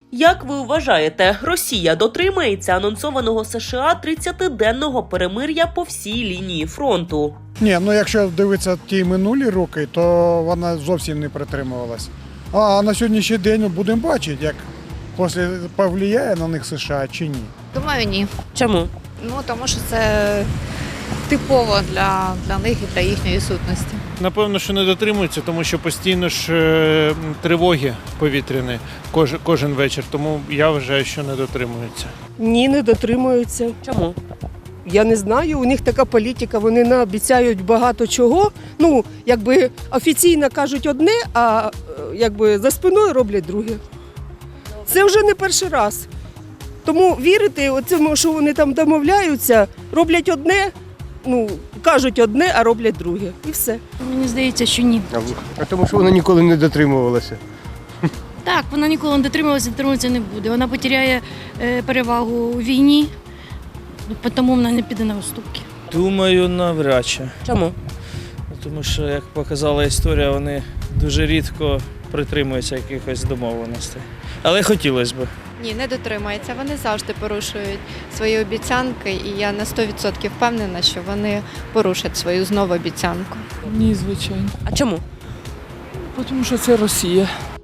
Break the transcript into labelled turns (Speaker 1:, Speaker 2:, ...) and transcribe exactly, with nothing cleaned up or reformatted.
Speaker 1: Як ви вважаєте, Росія дотримається анонсованого США тридцятиденного перемир'я по всій лінії фронту?
Speaker 2: Ні, ну якщо дивитися ті минулі роки, то вона зовсім не притримувалась. А на сьогоднішній день будемо бачити, як після повлияє на них США чи ні.
Speaker 3: Думаю, ні.
Speaker 1: Чому?
Speaker 3: Ну, тому що це типово для, для них і для їхньої сутності.
Speaker 4: Напевно, що не дотримуються, тому що постійно ж е, тривоги повітряні кожен, кожен вечір, тому я вважаю, що не дотримуються.
Speaker 5: Ні, не дотримуються.
Speaker 1: Чому?
Speaker 5: Я не знаю, у них така політика, вони наобіцяють багато чого. Ну, якби офіційно кажуть одне, а е, якби за спиною роблять друге. Це вже не перший раз. Тому вірити оцьому, що вони там домовляються, роблять одне, ну, кажуть одне, а роблять друге. І все.
Speaker 6: Мені здається, що ні.
Speaker 7: А тому що вона ніколи не дотримувалася.
Speaker 6: Так, вона ніколи не дотримувалася, дотримуватися не буде. Вона потеряє е, перевагу у війні, тому вона не піде на уступки.
Speaker 8: Думаю, навряд чи.
Speaker 1: Чому?
Speaker 8: Тому що, як показала історія, вони дуже рідко притримуються якихось домовленостей. Але хотілося б.
Speaker 9: Ні, не дотримується. Вони завжди порушують свої обіцянки, і я на сто відсотків впевнена, що вони порушать свою знову обіцянку.
Speaker 10: Ні, звичайно.
Speaker 1: А чому?
Speaker 10: Тому що це Росія.